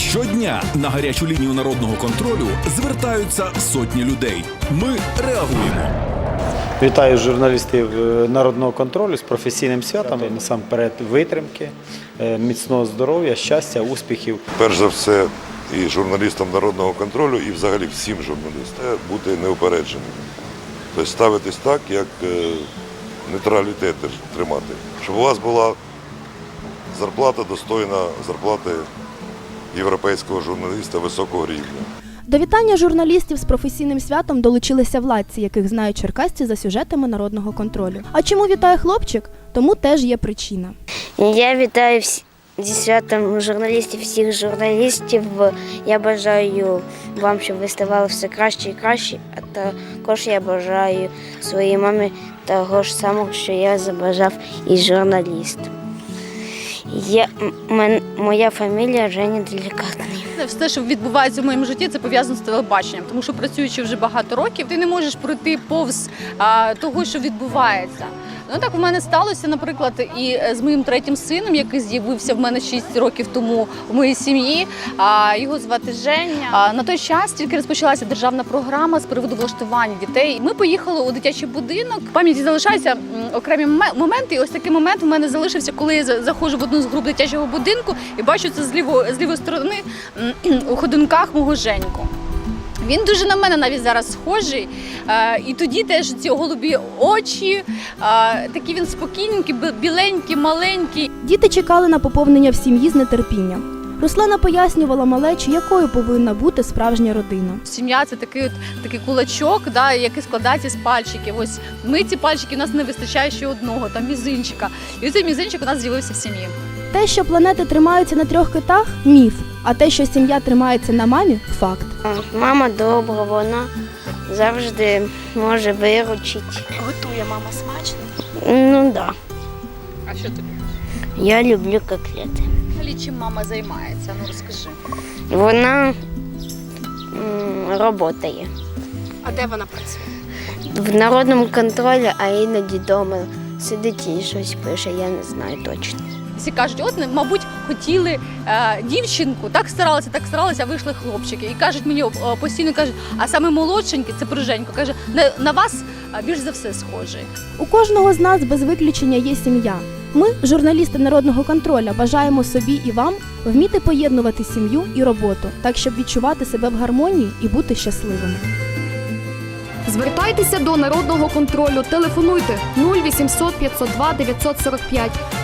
Щодня на гарячу лінію народного контролю звертаються сотні людей. Ми реагуємо. Вітаю журналістів народного контролю з професійним святом. Насамперед витримки, міцного здоров'я, щастя, успіхів. Перш за все, і журналістам народного контролю, і взагалі всім журналістам бути неупередженим. Тобто ставитись так, як нейтралітет тримати. Щоб у вас була зарплата достойна зарплати європейського журналіста високого рівня. До вітання журналістів з професійним святом долучилися владці, яких знають черкасці за сюжетами народного контролю. А чому вітає хлопчик? Тому теж є причина. Я вітаю зі святом журналістів, всіх журналістів. Я бажаю вам, щоб ви ставали все краще і краще, а також я бажаю своїй мамі того ж самого, що я забажав і журналіст. Моя фамілія Женя Делікатний. Все, що відбувається в моєму житті, це пов'язано з телебаченням, тому що працюючи вже багато років, ти не можеш пройти повз того, що відбувається. Ну так у мене сталося, наприклад, і з моїм третім сином, який з'явився в мене 6 років тому в моїй сім'ї. Його звати Женя. На той час тільки розпочалася державна програма з приводу влаштування дітей. Ми поїхали у дитячий будинок. В пам'яті залишаються окремі моменти. І ось такий момент у мене залишився, коли я заходжу в одну з груп дитячого будинку і бачу це з лівої сторони у ходунках мого Женьку. Він дуже на мене навіть зараз схожий. І тоді теж ці голубі очі, такі він спокійненький, біленький, маленький. Діти чекали на поповнення в сім'ї з нетерпінням. Руслана пояснювала малечі, якою повинна бути справжня родина. Сім'я – це такий кулачок, який складається з пальчиків. Ось ми ці пальчики, у нас не вистачає ще одного, там мізинчика. І цей мізинчик у нас з'явився в сім'ї. Те, що планети тримаються на 3 китах – міф, а те, що сім'я тримається на мамі – факт. Мама добра, вона завжди може виручити. Готує мама смачно? Ну так. А що тобі? Я люблю котлети. Взагалі, чим мама займається? Ну розкажи. Вона працює. А де вона працює? В народному контролі, а іноді вдома сидить і щось пише, я не знаю точно. Всі кажуть, от, мабуть, хотіли дівчинку, так старалися, а вийшли хлопчики. І кажуть мені, постійно кажуть, а саме молодшенький, це про Женьку, каже, на вас більш за все схожий. У кожного з нас без виключення є сім'я. Ми, журналісти народного контролю, бажаємо собі і вам вміти поєднувати сім'ю і роботу, так, щоб відчувати себе в гармонії і бути щасливими. Звертайтеся до народного контролю, телефонуйте 0800 502 945